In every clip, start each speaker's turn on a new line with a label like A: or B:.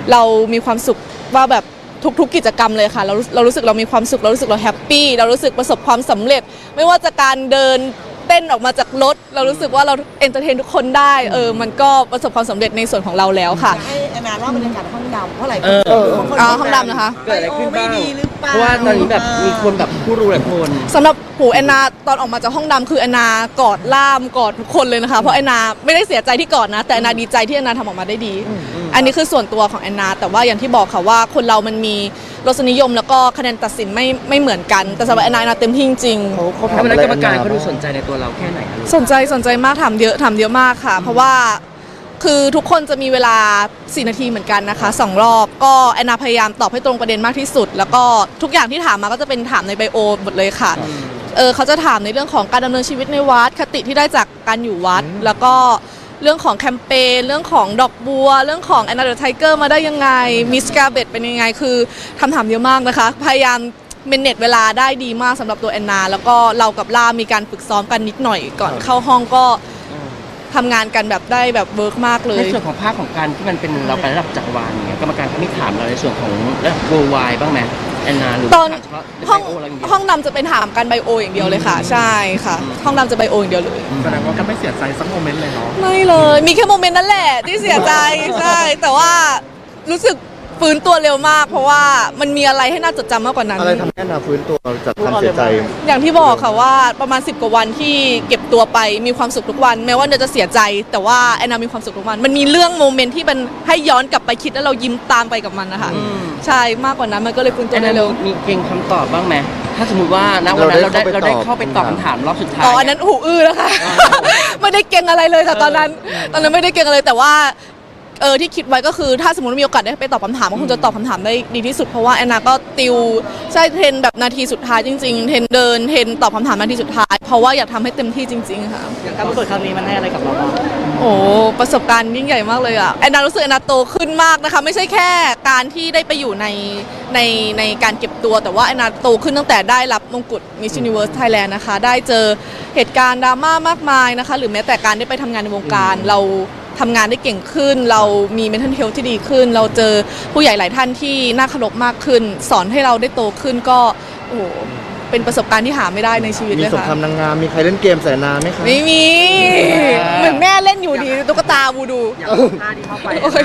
A: เรามีความสุขว่าแบบทุกๆกิจกรรมเลยค่ะเรารู้สึกเรามีความสุขเรารู้สึกเราแฮปปี้เรารู้สึกประสบความสำเร็จไม่ว่าจะการเดินเต้นออกมาจากรถเรารู้สึกว่าเราเอนเตอร์เทนทุกคนได้มันก็ประสบความสำเร็จในส่วนของเราแล้วค่ะ
B: ให้แอนนาเล่าบรรยากาศห้องดำเพราะหลายคน
A: ห้องดำนะคะ
C: เกิดอะไรขึ้นบ้าง
B: ไม่ดีหรือเปล่า
C: เพราะว่าตอนนี้แบบมีคนแบบผู้รู้หลายคน
A: สำหรับหูแอนนาตอนออกมาจากห้องดำคือแอนนากอดล่ามกอดทุกคนเลยนะคะเพราะแอนนาไม่ได้เสียใจที่กอดนะแต่แอนนาดีใจที่แอนนาทำออกมาได้ดีอันนี้คือส่วนตัวของแอนนาแต่ว่าอย่างที่บอกค่ะว่าคนเรามันมีรสนิยมแล้วก็คะแนนตัดสินไม่เหมือนกันแต่สำหรับแอนนาเต็มที่จริง
C: เขาทำอะไรกรรมการเขาดูสนใจในตัวเราแค่ไหน
A: สนใจมากถามเยอะมากค่ะเพราะว่าคือทุกคนจะมีเวลา4 นาทีเหมือนกันนะคะ2 รอบก็แอนนาพยายามตอบให้ตรงประเด็นมากที่สุดแล้วก็ทุกอย่างที่ถามมาก็จะเป็นถามในไบโอหมดเลยค่ะเขาจะถามในเรื่องของการดำเนินชีวิตในวัดคติที่ได้จากการอยู่วัดแล้วก็เรื่องของแคมเปญเรื่องของดอกบัวเรื่องของแอนนาเดอะไทเกอร์มาได้ยังไงมิสกาเบตเป็นยังไงคือคำถามเยอะมากนะคะพยายามเมเนจเวลาได้ดีมากสำหรับตัวแอนนาแล้วก็เรากับล่ามีการฝึกซ้อมกันนิดหน่อยก่อนเข้าห้องก็ทำงานกันแบบได้แบบเวิร์กมากเลย
C: ในส่วนของภาคของการที่มันเป็นเราไประดับจักรวาลเนี่ยกรรมการเขาไม่ถามเราในส่วนของระดับ worldwide บ้างไหมแอนนาหรือ
A: ตอนห้องดำจะเป็นถามกันไบโออย่างเดียวเลยค่ะใช่ค่ะห้องดำจะไบโออย่างเดียวเลย
D: แสดงว่าก็ไม่เสียใจสักโมเมนต์เลยเนาะ
A: ไม่เลยมีแค่โมเมนต์นั้นแหละที่เสียใจใช่แต่ว่ารู้สึกฟื้นตัวเร็วมากเพราะว่ามันมีอะไรให้น่าจดจำมากกว่านั้น
D: อะไรทำให้แอนนาฟื้นตัวจากความเสียใจ
A: อย่างที่บอกค่ะว่าประมาณ10 กว่าวันที่เก็บตัวไปมีความสุขทุกวันแม้ว่าจะเสียใจแต่ว่าแอนนามีความสุขทุกวันมันมีเรื่องโมเมนต์ที่มันให้ย้อนกลับไปคิดแล้วเรายิ้มตามไปกับมันนะคะใช่มากกว่านั้นมันก็เลยฟื้นตัวได้เร็ว
C: มีเก่งคำตอบบ้างไหมถ้าสมมติว่าณวันนั้นเราได้เข้าไปตอบคำถามรอบสุดท้าย
A: อันนั้นหูอื้อแล้วค่ะไม่ได้เก่งอะไรเลยค่ะตอนนั้นไม่ได้เก่งอะไรแต่ว่าที่คิดไว้ก็คือถ้าสมมติมีโอกาสได้ไปตอบคำถามก็คงจะตอบคำถามได้ดีที่สุดเพราะว่าแอนนาก็ติวใช่เทรนแบบนาทีสุดท้ายจริงๆเทรนเดินเทรนตอบคำถามนาทีสุดท้ายเพราะว่าอยากทำให้เต็มที่จริงๆค่ะ
B: การประกวดครั้งนี้มันให้อะไรกับเราบ้าง
A: โอ้ประสบการณ์ยิ่งใหญ่มากเลยอ่ะแอนนารู้สึกแอนนาโตขึ้นมากนะคะไม่ใช่แค่การที่ได้ไปอยู่ในการเก็บตัวแต่ว่าแอนนาโตขึ้นตั้งแต่ได้รับมงกุฎ Miss Universe Thailand นะคะได้เจอเหตุการณ์ดราม่ามากมายนะคะหรือแม้แต่การได้ไปทำงานในวงการเราทำงานได้เก่งขึ้นเรามี mental health ที่ดีขึ้นเราเจอผู้ใหญ่หลายท่านที่น่าเคารพมากขึ้นสอนให้เราได้โตขึ้นก็โอ้โหเป็นประสบการณ์ที่หาไม่ได้ในชีวิตเลยค่ะ
D: มีสงครามนางงามมีใครเล่นเกมใส่นาไหมคะ
A: ไม่มีเหมือนแม่เล่นอยู่ดีตุ๊กตาบูดู
B: ท่าที่เข้าไป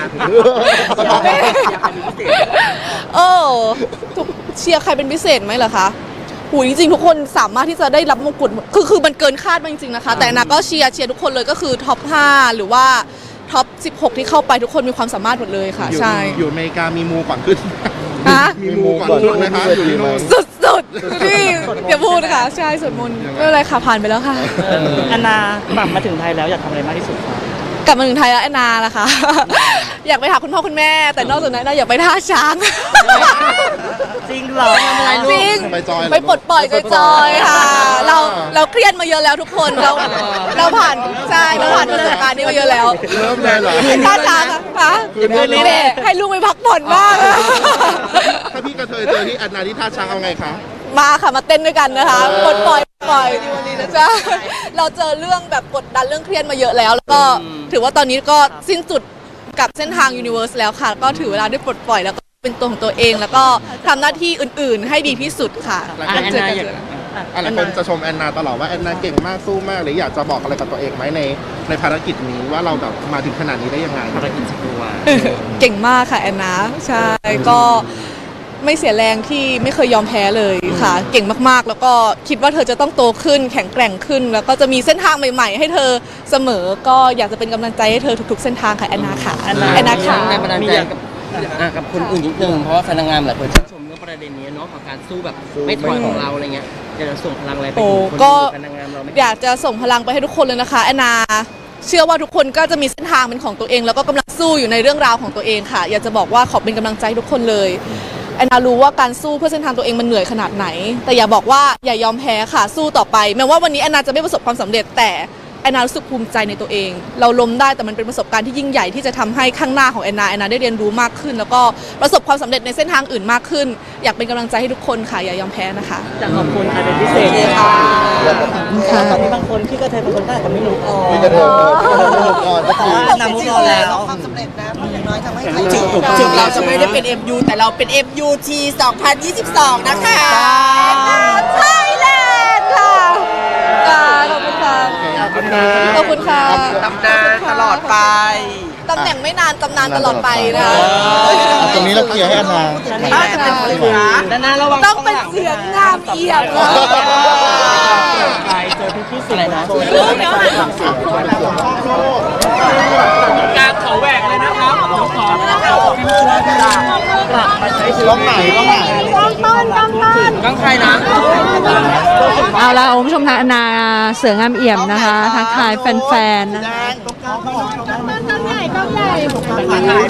A: เชียร์ใครเป็นพิเศษไหมเหรอคะหูจริงๆทุกคนสามารถที่จะได้รับมงกุฎคือมันเกินคาดมากจริงๆนะคะแต่นาก็เชียร์ทุกคนเลยก็คือท็อป5หรือว่าท็อป16ที่เข้าไปทุกคนมีความสามารถหมดเลยค่ะใช่
D: อยู่อเมริกามีมูก่อนขึ้นมีมูก่อนขึ้นนะคะอยู่ที่โน่น
A: สุดนี่อย่าพูดนะคะใช่สวดมนต์ไม่เป็นไรค่ะผ่านไปแล้วค่ะ
B: แอนนากลับมาถึงไทยแล้วอยากทำอะไรมากที่สุดคะ
A: กลับมาถึงไทยแล้วแอนนาล่ะค่ะอยากไปหาคุณพ่อคุณแม่แต่นอกจากนั้นอยากไปท่าช้าง
B: จริงเหรอ
A: จริงไปปลดปล่อยจอยๆค่ะเราเครียดมาเยอะแล้วทุกคนเราผ่านใช่เราผ่านประสบการณ์นี้มาเยอะแล้ว
D: เริ่มเลยเหรอ
A: ท่าช้างค่ะให้ลูกไปพักผ่อนบ้าง
D: ถ้าพี่กระเทยเจอที่แอนนาที่ท่าช้างเอาไงคะ
A: มาค่ะมาเต้นด้วยกันนะคะปลดปล่อยดีวันนี้นะจ๊ะเราเจอเรื่องแบบกดดันเรื่องเครียดมาเยอะแล้วก็ถือว่าตอนนี้ก็สิ้นสุดกับเส้นทาง Universe แล้วค่ะก็ถือเวลาได้ปลดปล่อยแล้วก็เป็นตัวของตัวเองแล้วก็ทำหน้าที่อื่นๆให้ดีที่สุดค่ะ
D: หลายคนจะชมแอนนาตลอดว่าแอนนาเก่งมากสู้มากหรืออยากจะบอกอะไรกับตัวเองไหมในภารกิจนี้ว่าเราแบบมาถึงขนาดนี้ได้ยังไง
C: ภารกิจจักรวาล
A: เก่งมากค่ะแอนนาใช่ก็ไม่เสียแรงที่ไม่เคยยอมแพ้เลยค่ะเก่งมากๆแล้วก็คิดว่าเธอจะต้องโตขึ้นแข็งแกร่งขึ้นแล้วก็จะมีเส้นทางใหม่ๆให้เธอเสมอก็อยากจะเป็นกำลังใจให้เธอทุกๆเส้นทางค่ะแอนนาค่ะแอนนาค่ะ
C: มีอย่างกับคนอื่นนิดนึงเพราะว่าแฟนนางงามหลายคนชื่นชมเรื่องประเด็นนี้เนาะของการสู้แบบไม่ถอยของเราอะไรเงี้ยอยากจะส่งพลังอะไรไปถึงคนที่แฟนนางงามเราไหม
A: อยากจะส่งพลังไปให้ทุกคนเลยนะคะแอนนาเชื่อว่าทุกคนก็จะมีเส้นทางเป็นของตัวเองแล้วก็กำลังสู้อยู่ในเรื่องราวของตัวเองค่ะอยากจะบอกว่าขอเป็นกำลังใจทุกคนเลยแอนนารู้ว่าการสู้เพื่อเส้นทางตัวเองมันเหนื่อยขนาดไหนแต่อย่าบอกว่าอย่ายอมแพ้ค่ะสู้ต่อไปแม้ว่าวันนี้แอนนาจะไม่ประสบความสำเร็จแต่แอนนารู้สึกภูมิใจในตัวเอง เราล้มได้แต่มันเป็นประสบการณ์ที่ยิ่งใหญ่ที่จะทำให้ข้างหน้าของแอนนาได้เรียนรู้มากขึ้น แล้วก็ประสบความสำเร็จในเส้นทางอื่นมากขึ้น อยากเป็นกำลังใจให้ทุกคนค่ะอย่ายอมแพ้นะคะ
B: จะขอบคุณใครเป็นพิเศษไหมคะตอนนี้บางคนที่กระเทยบางคนก็อาจจะไม่รู้ก่อน
D: มีกระเทยก่อนก็คือน
B: ำมุกเราแล้ว
E: ความสำเร็จนะเพราะอย่างน้อยทำให้ใคร
C: ถึงเราจะไม่ได้เป็น MU แต่เราเป็น MUT 2022 นะคะ
A: ไทยแลนด์ค่ะขอบคุณค่ะ
D: ขอบคุณนะ
A: ขอบคุณค่ะ
C: ตำนานตลอดไป
A: ตำแหน่งไม่นานตำนานตลอดไปนะ
D: ตรงนี้เราเคลียร์ให้แอนนา
C: ด้านหน้าระวัง
A: ต้องเป็นเสียงงามเอี่ยมนะ
B: ไปเจอพี่ๆสื่อนะโชว์
C: การขอแหวกเลยนะครับขอก
B: ลับมาใช้ชีวิต
D: ร้องไหนร้องไหน
C: ก้องใครนะ
F: เอาละคุณผู้ชมทางแอนนาเสืองามเอี่ยมนะคะทักทายแฟนๆนะคะ